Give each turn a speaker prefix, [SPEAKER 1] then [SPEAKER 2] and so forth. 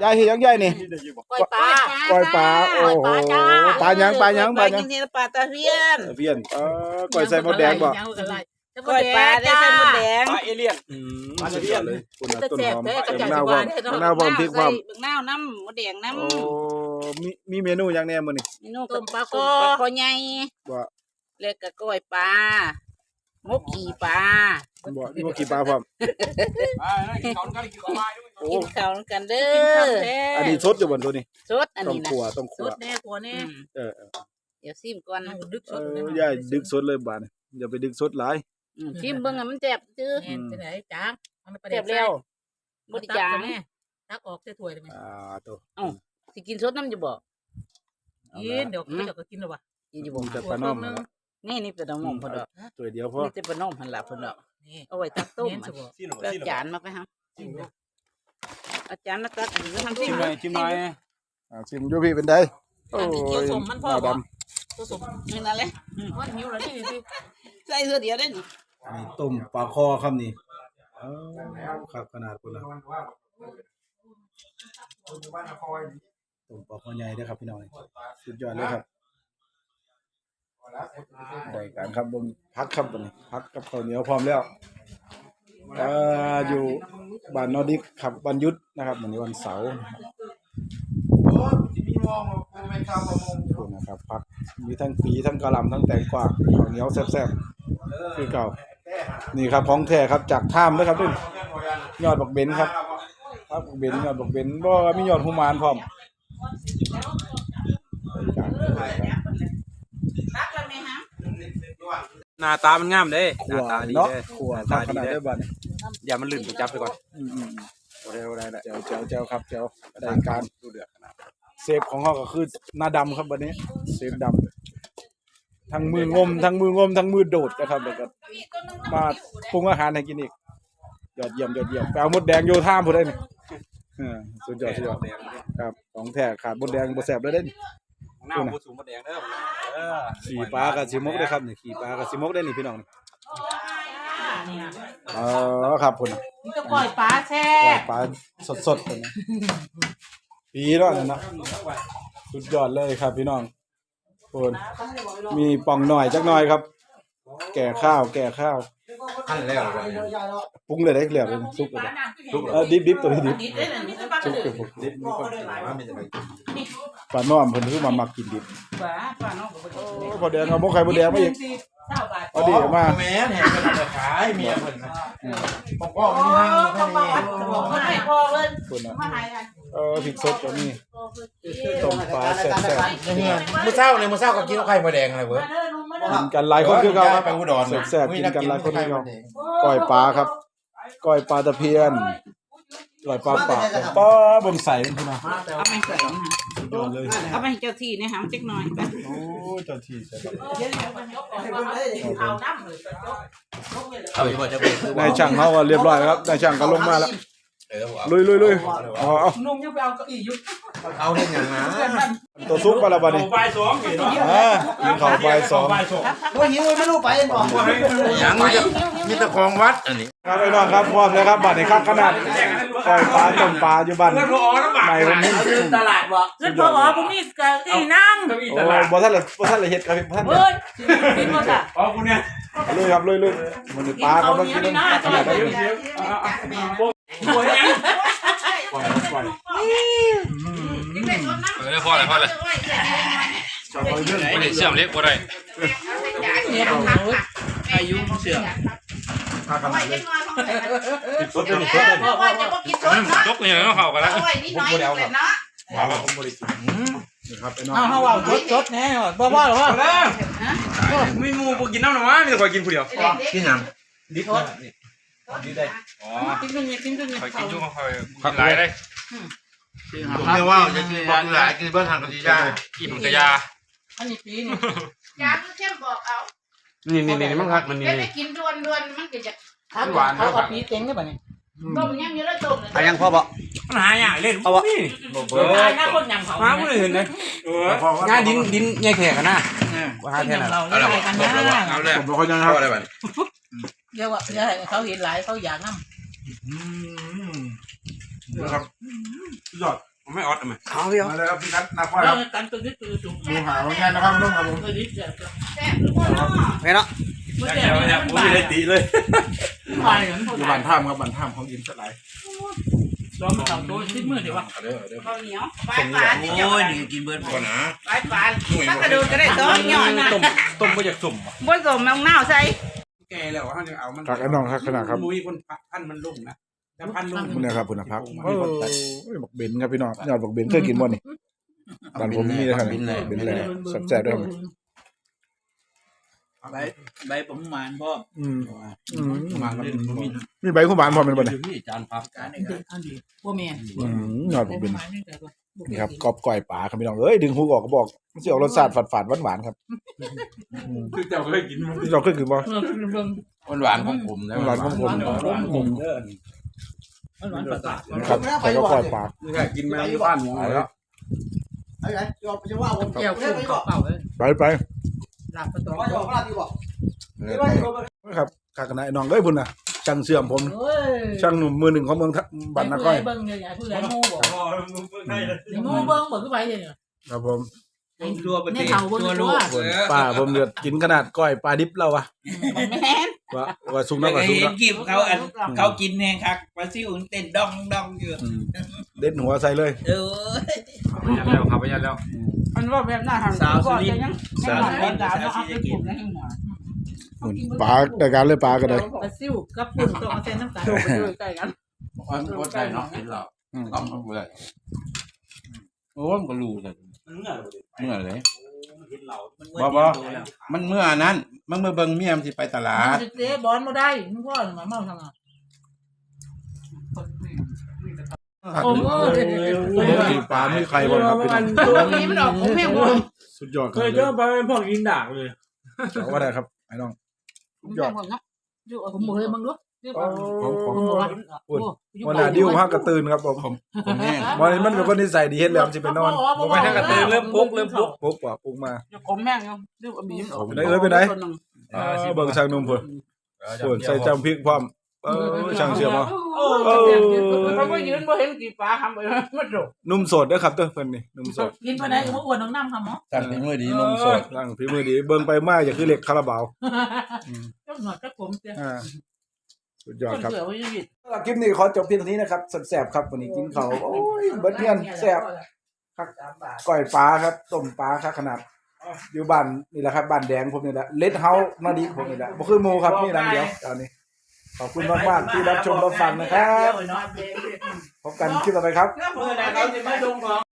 [SPEAKER 1] ยายเฮ็ดยังยายนี่
[SPEAKER 2] ก้อยปลา
[SPEAKER 1] ก้อยปลาโอ้โหปลายัง
[SPEAKER 2] ปลาจริงๆปลาตะเพียน
[SPEAKER 1] เพี้ยนก้อยใส่มดแดงบ่
[SPEAKER 2] ก้อยปลาได้ใส่มดแดง
[SPEAKER 3] ปลาเอเลี่ยน
[SPEAKER 1] ปลาเพี้ยนเลยคุณ
[SPEAKER 2] จะ
[SPEAKER 1] ต้น
[SPEAKER 2] แซ่
[SPEAKER 1] ห
[SPEAKER 2] บ
[SPEAKER 1] อม
[SPEAKER 2] แท้กระจาย
[SPEAKER 1] มะนาว
[SPEAKER 2] บ้าน
[SPEAKER 1] มะนาวพร้อมพริกพร้อม
[SPEAKER 2] บักนาวน้ำมดแดงน้ำ
[SPEAKER 1] โอ้มีเมนูยังแน่มื้อนี้
[SPEAKER 2] เมนูต้มปลาคอใหญ่
[SPEAKER 1] บ่
[SPEAKER 2] แล้วก็ก้อยปลาหมกขี่ปลา
[SPEAKER 1] บ่มีบ่กี่ปลาพร้อม
[SPEAKER 3] กินเขากันกินปลาด้วย
[SPEAKER 1] โอ้
[SPEAKER 2] กินข้าวกันเด้อ
[SPEAKER 1] อันนี้สดอยู่บ่ตัวนี้
[SPEAKER 2] สดอัน
[SPEAKER 1] ต้อง
[SPEAKER 2] นี้นะ
[SPEAKER 1] ขัวต้อง
[SPEAKER 4] ส
[SPEAKER 1] ขัว
[SPEAKER 4] ดแน่กลัวแน่
[SPEAKER 1] เออ
[SPEAKER 2] เดี๋ยวซิมก่อน
[SPEAKER 4] ดึกสด
[SPEAKER 1] ยายดึกสดเลยบาดนี้อย่าไปดึกสดหลาย
[SPEAKER 2] ซิมเบิ่งมันแซ่บจื้อ
[SPEAKER 4] แน่จะไหนจ้างมันไป
[SPEAKER 2] แซ่บแล้วบ่ได้จาง
[SPEAKER 4] แน่ตักออกใส่ถ้วยได้ไหม
[SPEAKER 1] ตัว
[SPEAKER 2] สิกินสดน้ำจะบ่
[SPEAKER 4] กินเดี๋ยวเขาจะกินหรอวะ
[SPEAKER 2] กินอยู่บ่
[SPEAKER 1] จะปลาน้อมนั่นล่ะ
[SPEAKER 2] นี่เป็นน้องเพิ่นดอก
[SPEAKER 1] ตัวเดียวพอ
[SPEAKER 2] นี่แต่ปลาน้องหั่นล่ะเพิ่นดอก
[SPEAKER 4] นี่
[SPEAKER 2] เอาไว้ตักต้ม
[SPEAKER 4] เน้นสบ
[SPEAKER 2] แล้วจานมาไปฮะอาจารย์มาตักอันนี้ทำซิ
[SPEAKER 3] ชิมหน่อยชิมหน่อย
[SPEAKER 1] ชิมอยู่พี่เป็นไดโอ้
[SPEAKER 4] เกี่ยวย สมมันพ่อ
[SPEAKER 1] หน้า
[SPEAKER 4] บ
[SPEAKER 1] ด
[SPEAKER 4] อกตัวสม
[SPEAKER 2] นี่นั่นแหละ
[SPEAKER 4] ว่าหิวแล้วนี่สิ
[SPEAKER 2] ใส่เสื้อเดียวได้นี่
[SPEAKER 1] ำอันนี้ต้มปลาคอครับนี่ครับขนาดพุ่นละต้มปลาคอใหญ่เด้อครับพี่น้องสุดยอดเลยครับได้การครับบนพักครับบนนี้พักกับข้าวเหนียวพร้อมแล้วอยู่บ้านนอร์ดิกครับวันหยุดนะครับวันนี้วันเสาร์คุณนะครับพักมีทั้งปีทั้งกะหล่ำทั้งแตงกวาข้าวเหนียวแซ่บๆคือเก่านี่ครับของแท้ครับจากถ้ำนะครับนี่ยอดบักเบนครับครับบักเบนยอดบักเบนบ่มียอดหุมานพร้อม
[SPEAKER 2] ตักแล้วแม่ฮะ
[SPEAKER 3] หน้าตามันงามเด้ห
[SPEAKER 1] ขั
[SPEAKER 3] น้าว ตาดี
[SPEAKER 1] เนาะ
[SPEAKER 3] เด้
[SPEAKER 1] ขัว
[SPEAKER 3] หน้า
[SPEAKER 1] ข
[SPEAKER 3] ตา
[SPEAKER 1] นาด
[SPEAKER 3] ดี
[SPEAKER 1] ได้
[SPEAKER 3] เด้
[SPEAKER 1] บัด
[SPEAKER 3] อย่ามันลื่นไปจับไปก่อน
[SPEAKER 1] ได้
[SPEAKER 3] ได้
[SPEAKER 1] เจ้าครับเจ้าได้การดูเดือดขนาดเซฟของเขาก็คือหน้าดำครับวันนี้เซฟดำทั้งมืองมทั้งมือโดดนะครับแล้วก็มาปรุงอาหารให้กินอีกยอดเยี่ยมไปเอามดแดงโยธามพุ่นได้นี่สุดยอดครับของแท้ขาดมดแดงบ่แซ่บเลยเด้นี่
[SPEAKER 3] หน้าผู้สูงมดแดงเด้อ
[SPEAKER 1] ขี่ปลากับสิมกได้ครับนี่ขี่ปลากับสิมกได้นี่พี่น้องนี่ครับพุ่น
[SPEAKER 4] นี่ก็ปล่อยปลาแช่
[SPEAKER 1] ปลาสดๆพุ่นนะปีเนาะนั่นนะสุดยอดเลยครับพี่น้องพุ่นมีป่องหน่อยจักหน่อยครับ แก่ข้าว
[SPEAKER 3] ขั้นแล้ว
[SPEAKER 1] ปรุงเลยได้เหลือเป็นซุปเลยดิบตัวนี้ดิบซุปเป็นดิบปลาน้อมเพิ่นคือมามักกินดิบ
[SPEAKER 2] ปลาน้อง
[SPEAKER 1] พอแดงเอาหม้อไข่มดแดงมาอีกเอาดิมา
[SPEAKER 3] แม่แห่งกันขายเมียเพิ่นผมก็มีให้
[SPEAKER 2] ไม่พอเลย
[SPEAKER 1] พุ่นน่ะพริกสดก็มีต้มปลาแซ่บ
[SPEAKER 3] มื้อเช้าก็กินไข่มดแดงอะไรเว้ย
[SPEAKER 1] ๆกินกันหลายคนคือเก่าครับ
[SPEAKER 3] ไปอุดร
[SPEAKER 1] แซ่บๆกินกันหลายคนคือเก่าก้อยปลาครับก้อยปลาตะเพียนก้อยปลาปากปลาบนใสพุ่นน่ะ
[SPEAKER 2] เอาไปใส่นะ
[SPEAKER 1] สุดยอดเลย
[SPEAKER 2] เอาไปให้เจ้าที่นะฮะจักหน่อยไป
[SPEAKER 1] โอ้เจ้าที่ใส่ครับ
[SPEAKER 3] เอาอยู่บ่จะเป็น
[SPEAKER 1] นายช่างเขาก็เรียบร้อยครับนายช่างก็ลงมาแล้วลุยเอา
[SPEAKER 4] นุ่มยังไปเอาเก้าอี้ยุบ
[SPEAKER 3] เอาเฮ็ดหยังนะ
[SPEAKER 1] ตัวซุปปลาละบัดนี้
[SPEAKER 3] บ่าย2นี่เนาะ
[SPEAKER 1] กินข้าวบ่าย2
[SPEAKER 4] ว่าหิวไม่รู้ไปบอก
[SPEAKER 3] หยังมีแต่ของวัดอันนี้
[SPEAKER 1] ครับพี่น้องครับพร้อมแล้วครับบัดนี้ครับขนาดปล่อยปลาต้มปลาอยู่บ้านใหม่ผมนี่
[SPEAKER 2] ตลาดบ่
[SPEAKER 4] เงินพอพวกนี้เก้าอี้นั่ง
[SPEAKER 1] โอ้บ่ทันละเฮ็ดครับพี่บ่ทัน
[SPEAKER 4] เฮ้ยกินหมดอ่ะ
[SPEAKER 3] อ๋อกูเนี่ย
[SPEAKER 1] ลุยครับลุยมันปลาครับมันกินขนาดได้เลย
[SPEAKER 3] โอ้ยยัง
[SPEAKER 1] ปล่อยปล่อย
[SPEAKER 5] พอเลย
[SPEAKER 1] จะปล่อยเรื่องไหน
[SPEAKER 5] ไม่ได้เชื่อมเล็กบ่ได้
[SPEAKER 4] เนี่ยอายุเสื่อม
[SPEAKER 1] ปลาขนาดเลยติดสดเลย
[SPEAKER 5] ยกเนี่ยต้องเข้ากันแล้ว
[SPEAKER 3] ผมบ่ได้เอาครับ
[SPEAKER 1] ปลาผมบริสุทธิ์ครับพี่น้อง
[SPEAKER 4] เอาว่าจดแน่บ่ว่าหรอวะ
[SPEAKER 3] มีหมูบ่กินน้ำหรอวะมีแต่ข่อยกินผู้เดียวกินหยังดิบดิบได้อ๋อ
[SPEAKER 2] กินกันเนี่ยกินกันเนี่ย
[SPEAKER 5] คอยกินจุ่มคอยกินหลายได้
[SPEAKER 3] ผมเนี่ยว่าจะกินบ่หลายกินเบิ่งหันก็สิได้
[SPEAKER 5] อิ่มกระยา
[SPEAKER 4] อันนี้ปีนี่
[SPEAKER 2] ยาคือเข้มบอกเอา
[SPEAKER 3] นี่มันคักมันนี่
[SPEAKER 2] ได้กินด่วนมันก็จะ
[SPEAKER 4] เขาเอาปีเต็งได้ป่ะนี่
[SPEAKER 2] ต้มยังอยู่แล้วต้ม
[SPEAKER 3] อายังพอบ่มันหาอย่างเล่นเอาบ่
[SPEAKER 4] ตายนะคนยำเขา
[SPEAKER 3] มาบ่ได้เห็นเลยงานดินใหญ่แขกกันนะว่าหาแค่นั้น
[SPEAKER 4] เราไม่ได้กันนะ
[SPEAKER 3] เอาแล้ว
[SPEAKER 1] ผมบอกเขายังครับ
[SPEAKER 3] อะไรบัด
[SPEAKER 4] เดี๋ยวเขาเห็นหลายเขาอยากน้ำ
[SPEAKER 1] นะครับยอด
[SPEAKER 3] ไม่ออดอ่ะมั้ย
[SPEAKER 1] เอาพี่เอามาเลยครับพี่นัทนาควายค
[SPEAKER 4] เรา
[SPEAKER 1] รับ
[SPEAKER 4] กันตัวนี้ตัวจุ่ม
[SPEAKER 1] ดูหาว่าไงนะครับน้องครับผม
[SPEAKER 4] ตัวนี้จะ
[SPEAKER 2] แซ่บทุกคนเนาะ
[SPEAKER 1] ไงเนาะ
[SPEAKER 4] มัน
[SPEAKER 3] เดี๋ยวเนี่ยผมไม่ได้ตีเลย
[SPEAKER 4] ไปกัน
[SPEAKER 1] อยู่บ้านท่ามครับบ้านท่ามเขากินสลาย
[SPEAKER 4] ซ้อมมาทำตัวชิ้นมือเดี๋ยววะ
[SPEAKER 1] เอาเด้อเอาเด้อ
[SPEAKER 2] ข้าวเหนียวปลายปานนี่เจ้า
[SPEAKER 3] โอ้ยนี่กินเบิร์ดก่อนนะ
[SPEAKER 2] ปลายปานถ้ากระโดดก็ได้ซ้อมหย่อนนะ
[SPEAKER 3] ต้มไม่อยากสุ่ม
[SPEAKER 2] บ่สมน้ำเน่าใส่
[SPEAKER 3] แกแล้วเขาจะเอามัน
[SPEAKER 1] คักไอ้น้องคักขนาดครับ
[SPEAKER 3] มุ้ยคนพันมันลุ่มนะถ้าพันลุ่ม
[SPEAKER 1] คุณนะครับคุณพักโอ้ยบักเบนครับพี่น้องยอดบักเบนเคยกินบ่นี่บ้านผมมีเลยครับเบนเลยแซ่บๆด้วย
[SPEAKER 4] ใบผมหมานพ่อ
[SPEAKER 3] มากัน
[SPEAKER 1] มีใบคู่บ้านพร้อมเป็นบ่เนี่ย
[SPEAKER 3] ที่จานพับ
[SPEAKER 4] การนี้อันดีว่าแม่
[SPEAKER 1] ยอดบักเบนนี่ครับกรอบก้อยปลาครับพี่น้องเอ้ยดึงหูออกก็บอกมันสิออกรสชาติฝาดๆหวานๆครับ
[SPEAKER 3] คือเจ้าเคยกินมัน
[SPEAKER 1] เราเคยกินบ่
[SPEAKER 3] หวานของผมนะ
[SPEAKER 1] หวานของผม
[SPEAKER 4] หวานประสาท
[SPEAKER 1] นะครับใส่ก็ก้อยปลา
[SPEAKER 3] ไม่ใช่กินแมวบ้านหมูแล้ว
[SPEAKER 4] แก้วคุ้มเป่าเลย
[SPEAKER 1] ไป
[SPEAKER 4] หลับประตู
[SPEAKER 1] ครับขากนะไอ้น้องเอ้ยพุ่นน่ะช่างเสื่อมผม
[SPEAKER 4] เฮ้ย
[SPEAKER 1] ช่างหนุ่มมือหนึ่งของเมืองบ้านนาก้อย
[SPEAKER 4] เบิ้งใหญ่ผู้ใหญ่โม่บอกโม่เบิ้งบอกขึ้นไปเลยเนี่ย
[SPEAKER 1] ครับผม
[SPEAKER 3] ตัวประเทศ
[SPEAKER 4] ตัวลูก
[SPEAKER 1] ป้าผมเดือดกินขนาดก้อยปลาดิบเราวะ
[SPEAKER 2] แม่น
[SPEAKER 1] ว่าซุกนักว่าซุก
[SPEAKER 6] เห็
[SPEAKER 1] นั
[SPEAKER 6] น
[SPEAKER 1] ก
[SPEAKER 6] กิบเขากินแหงคักปลาซิวเต้นดองดองอยู่
[SPEAKER 1] เด็ดหัวใส่เลย
[SPEAKER 6] เออ
[SPEAKER 5] ยันแล้วครับยันแล้ว
[SPEAKER 2] มันว่าแบบน่าทำก่อนจะยังยังหน่อยยังดาวเนาะเอาไปปลูกในหัว
[SPEAKER 1] ปลาแต่การเลยปลาก็ได้
[SPEAKER 4] ปลาซิวกับปุ่นต้องเอาเส้นน้ำตาล
[SPEAKER 2] โดดไปด้วยใกล้กัน
[SPEAKER 3] มันก็ได้เนาะกินเราต้มมันเลยโอ้มันก็รู้เลยเมื่อเลยมันเมื่อนั้นมันเมื่อเบิ่งเมียมสิไปตลาด
[SPEAKER 4] เจ๊บอลมาได้มึงพ่อมาเมาทำไงโอ้โห
[SPEAKER 1] ปลาไม่ใครบ้างครับพี่น้อง
[SPEAKER 2] ตัวนี้มันออกของแม่วัว
[SPEAKER 1] สุดยอด
[SPEAKER 3] เคยเจอไปพวกกินด่างเลย
[SPEAKER 1] ว่าได้ครับไอ้น้อง
[SPEAKER 2] แม่วัวเนาะ
[SPEAKER 4] ผมบอกเลยมึงรู้
[SPEAKER 1] วันน่ะดิ้วฮักกระตื่นครับผม
[SPEAKER 3] ผมแห้ง
[SPEAKER 1] วันนี้มันเป็นคนนิสัยดีเฮ็ดแล้วสิไปนอน
[SPEAKER 3] ผมไปทางกระตือเริ่มปุ๊ก
[SPEAKER 1] ปุ๊บว่าปุ๊บมา
[SPEAKER 2] ผมแม่งเนาะดูอบีมออก
[SPEAKER 1] เบิ่งช่างหนุ่มเพิ่นส่วนใส่จำพริกพร้อมช่างเชื่อบ่
[SPEAKER 2] เขาก็ยืนบ่เห็นกี่ปลาทำไปมันโดด
[SPEAKER 1] นุ่มสดเด้อครับเด้อเพิ่นนี่นุ่มสด
[SPEAKER 4] กินไปไหนก็อ้วนน้องน้ำทำมั้ง
[SPEAKER 3] สั่งเป็นมื้อดีนมสด
[SPEAKER 1] ร่างฝีมือดีเบิ่งไปมาอย่าคือเหล็กคาราบาว
[SPEAKER 4] ก็หนวดก็ผมเจ้า
[SPEAKER 1] สุดยอดครับ
[SPEAKER 4] เสือวิจิต
[SPEAKER 1] คลิปนี้ขอจบเพียงเท่านี้นะครับแซ่บๆครับวันนี้กินข้าวโอ้ยเบิดเพียนแซ่บก้อยปลาครับต้มปลาครับขนาดอยู่บ้านนี่แหละครับบ้านแดงผมนี่แหละเลดเฮาส์มาดีผมนี่แหละบ่คือหมู่ครับนี่หลังเดียวตอนนี้ขอบคุณมากๆที่รับชมรับฟังนะครับพบกันคลิปต่อไปครับ
[SPEAKER 2] เมื่อไหร่เขาจะมาลงของ